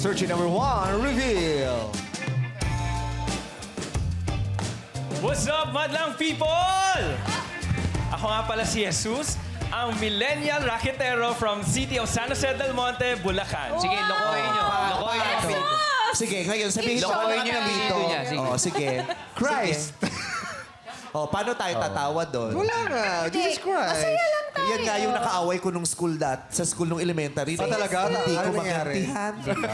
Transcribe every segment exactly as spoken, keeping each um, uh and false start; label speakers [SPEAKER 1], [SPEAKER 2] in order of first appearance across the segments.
[SPEAKER 1] Searching number one, reveal.
[SPEAKER 2] What's up, madlang people? Ako nga pala si Jesus, ang millennial racketero from city of San Jose del Monte, Bulacan.
[SPEAKER 3] Sige, lokohin nyo. Lokohin nyo.
[SPEAKER 1] Jesus! Sige, ngayon sabihin mo
[SPEAKER 3] Lokohin
[SPEAKER 1] ang
[SPEAKER 3] niyo yung
[SPEAKER 1] dito.
[SPEAKER 3] video niya, sige.
[SPEAKER 1] Oh, sige. Christ. Oh, paano tayo tatawa doon?
[SPEAKER 4] Wala nga. Jesus Christ.
[SPEAKER 5] Masaya lang tayo.
[SPEAKER 1] Yan nga yung nakaaway ko nung school dat, sa school nung elementary.
[SPEAKER 4] Ah, talaga?
[SPEAKER 1] Hindi
[SPEAKER 4] Ano
[SPEAKER 1] ko
[SPEAKER 4] nangyari?
[SPEAKER 1] magantihan.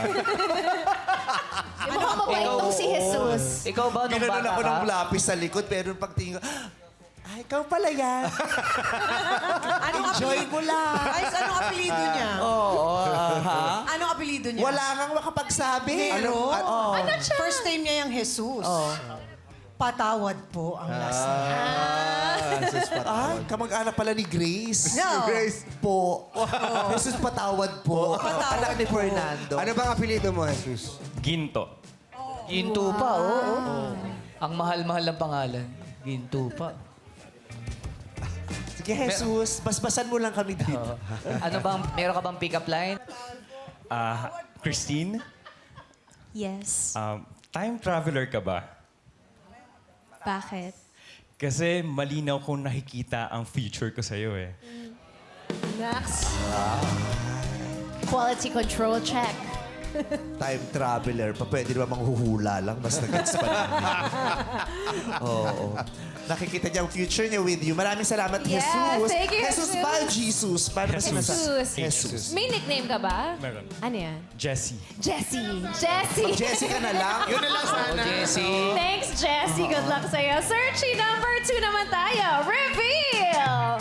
[SPEAKER 5] Mukhang mabait tong si Jesus.
[SPEAKER 3] Ikaw ba nung
[SPEAKER 1] Ginanon
[SPEAKER 3] bata
[SPEAKER 1] ako
[SPEAKER 3] ka?
[SPEAKER 1] ng lapis sa likod, pero nung pagtingin ko, ay, ikaw pala yan.
[SPEAKER 6] Anong
[SPEAKER 1] Enjoy
[SPEAKER 6] apelido?
[SPEAKER 1] mo lang.
[SPEAKER 6] Ay, anong apelido niya?
[SPEAKER 1] Oo, ah, ha?
[SPEAKER 6] Anong apelido niya?
[SPEAKER 1] Wala kang makapagsabi.
[SPEAKER 6] Ano?
[SPEAKER 1] Oh.
[SPEAKER 6] First name niya yung Jesus. Patawad po ang last name.
[SPEAKER 1] Ah, kamag-anak pala ni Grace.
[SPEAKER 6] No.
[SPEAKER 1] Grace po. Jesus patawad po.
[SPEAKER 6] Patawad
[SPEAKER 1] Anak ni
[SPEAKER 6] po.
[SPEAKER 1] Fernando.
[SPEAKER 4] Ano bang apelido mo, Jesus?
[SPEAKER 2] Ginto.
[SPEAKER 3] Ginto pa, oo. Ang mahal-mahal ng pangalan. Ginto pa.
[SPEAKER 1] Sige, Jesus, basbasan mo lang kami dito.
[SPEAKER 3] Oo. Ano bang, meron ka bang pick-up line?
[SPEAKER 2] Ah, Christine,
[SPEAKER 5] Yes.
[SPEAKER 2] um, time traveler ka ba?
[SPEAKER 5] Bakit?
[SPEAKER 2] Kasi malinaw kong nakikita ang future ko sa'yo eh.
[SPEAKER 5] Max. Quality control check.
[SPEAKER 1] Time traveler pa. Pwede naman manghuhula lang. Mas nag-gets pa namin. Oo. Nakikita niya ang future niya with you. Maraming salamat,
[SPEAKER 5] Yeah,
[SPEAKER 1] Jesus.
[SPEAKER 5] thank you,
[SPEAKER 1] Jesus
[SPEAKER 5] Jesus.
[SPEAKER 1] ba? Jesus. Paano ba
[SPEAKER 5] Jesus.
[SPEAKER 1] sinasa- Jesus.
[SPEAKER 5] May nickname ka ba?
[SPEAKER 2] Meron.
[SPEAKER 5] Ano yan?
[SPEAKER 2] Jessie.
[SPEAKER 5] Jessie. Jessie.
[SPEAKER 1] Jessica na lang. Yun na lang
[SPEAKER 3] Oh, Jessie.
[SPEAKER 5] Thanks, Jessie. Good luck sa'yo. Searching number two naman tayo. Reveal!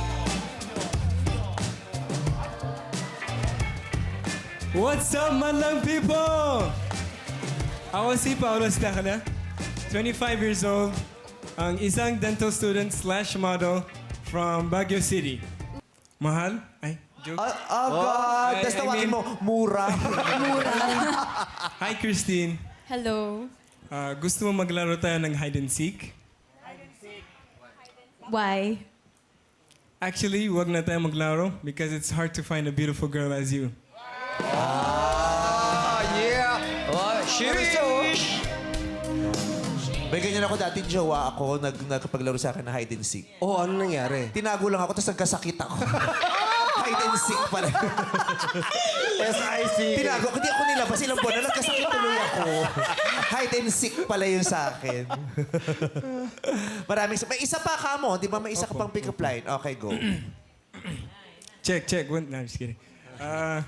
[SPEAKER 7] What's up, madlang people? Ako si Paulo Stacana, twenty-five years old, ang isang dental student slash model from Baguio City. Mahal? Ay, joke.
[SPEAKER 1] Ah, oh, God.
[SPEAKER 7] I-
[SPEAKER 1] Tapos
[SPEAKER 7] I
[SPEAKER 1] tawagin
[SPEAKER 7] mean-
[SPEAKER 1] mo, mura.
[SPEAKER 7] Hi, Christine.
[SPEAKER 5] Hello.
[SPEAKER 7] Ah, gusto mo maglaro tayo ng hide and seek?
[SPEAKER 5] Why?
[SPEAKER 7] Actually, wag na tayo maglaro because it's hard to find a beautiful girl as you.
[SPEAKER 4] Ah, yeah!
[SPEAKER 3] Oh, sheesh!
[SPEAKER 1] May ganyan ako dati, jowa ako, nag, nagpaglaro sa akin na hide and seek.
[SPEAKER 4] Oh, ano nangyari?
[SPEAKER 1] Tinago lang ako, tapos nagkasakit ako. Hide and seek pala.
[SPEAKER 4] S I C.
[SPEAKER 1] Tinago ko, hindi ako nilabas. Ilang buwan na nagkasakit tuloy ako. Hide and seek pala yun sa akin. Maraming... May isa pa ka mo, di ba? May isa ka pang pick-up line. Okay, go.
[SPEAKER 7] Check, check. One, no, I'm just kidding. Ah,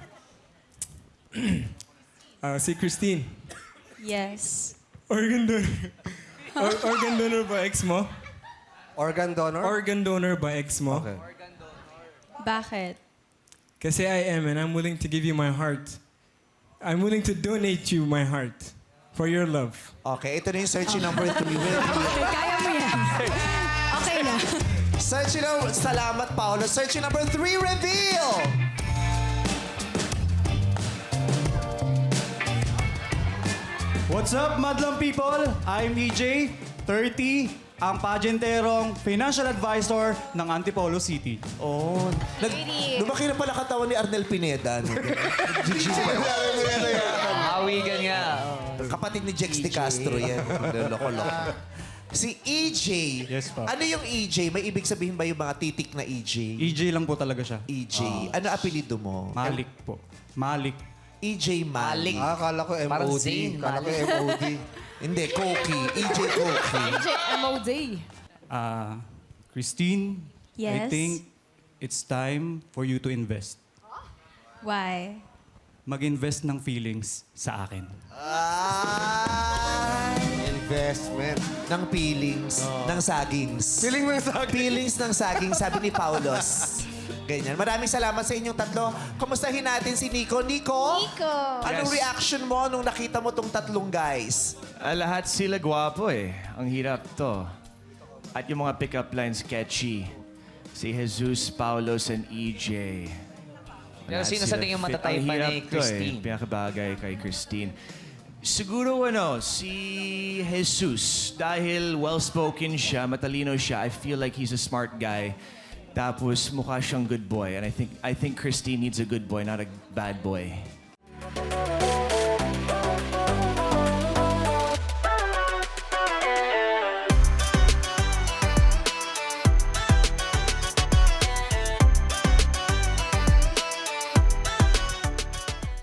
[SPEAKER 7] ah, si Christine.
[SPEAKER 5] Yes.
[SPEAKER 7] Organ donor. Or- organ donor ba ex mo?
[SPEAKER 4] Organ donor?
[SPEAKER 7] Organ donor ba ex mo?
[SPEAKER 4] Okay.
[SPEAKER 5] Bakit?
[SPEAKER 7] Kasi I am and I'm willing to give you my heart. I'm willing to donate you my heart for your love.
[SPEAKER 1] Okay, ito na yung searching number three.
[SPEAKER 5] Kaya mo yan. Okay na.
[SPEAKER 1] Searching number... Salamat, Paolo. Searching number three, reveal!
[SPEAKER 8] What's up, madlang people? I'm E J, thirty, ang pagenterong financial advisor ng Antipolo City.
[SPEAKER 1] Oh. Nag,
[SPEAKER 5] Lady.
[SPEAKER 1] lumaki na pala katawan ni Arnel Pineda. No? G G pa yun.
[SPEAKER 3] Awigan nga. Oh.
[SPEAKER 1] Kapatid ni Jex de Castro yan. Loko-loko. Si E J.
[SPEAKER 8] Yes, pa.
[SPEAKER 1] Ano yung E J? May ibig sabihin ba yung mga titik na E J?
[SPEAKER 8] E J lang po talaga siya.
[SPEAKER 1] E J. Ano apelido mo?
[SPEAKER 8] Malik po. Malik.
[SPEAKER 1] E J Malik.
[SPEAKER 4] Ah, kala ko M
[SPEAKER 3] Parang
[SPEAKER 4] O D.
[SPEAKER 3] Zayn,
[SPEAKER 4] Kala ko
[SPEAKER 3] Malik.
[SPEAKER 4] M O D.
[SPEAKER 1] Hindi, Koki. E J Koki.
[SPEAKER 5] M O D.
[SPEAKER 8] Ah, Christine, I
[SPEAKER 5] Yes?
[SPEAKER 8] think it's time for you to invest.
[SPEAKER 5] Why?
[SPEAKER 8] Mag-invest ng feelings sa akin.
[SPEAKER 1] Ah,
[SPEAKER 4] Investment.
[SPEAKER 1] ng feelings, ng sagings.
[SPEAKER 4] Feeling mo yung sa akin.
[SPEAKER 1] Feelings ng saging, sabi ni Paulos. Ganyan. Maraming salamat sa inyong tatlo. Kamustahin natin si Nico. Nico?
[SPEAKER 5] Nico.
[SPEAKER 1] Anong
[SPEAKER 2] Yes.
[SPEAKER 1] reaction mo nung nakita mo tong tatlong guys?
[SPEAKER 9] Ah, lahat sila gwapo eh. Ang hirap to. At yung mga pick-up lines sketchy. Si Jesus, Paulos, and E J.
[SPEAKER 3] Pero
[SPEAKER 9] Lahat
[SPEAKER 3] sino
[SPEAKER 9] sila
[SPEAKER 3] sa tingin mo
[SPEAKER 9] fit.
[SPEAKER 3] matatay
[SPEAKER 9] Ang
[SPEAKER 3] pa
[SPEAKER 9] hirap
[SPEAKER 3] ni
[SPEAKER 9] to
[SPEAKER 3] Christine?
[SPEAKER 9] Eh. Pinakabagay kay Christine. Siguro ano, si Jesus. Dahil well-spoken siya, matalino siya, I feel like he's a smart guy. Tapos mukha siyang good boy. And I think I think Christine needs a good boy, not a bad boy.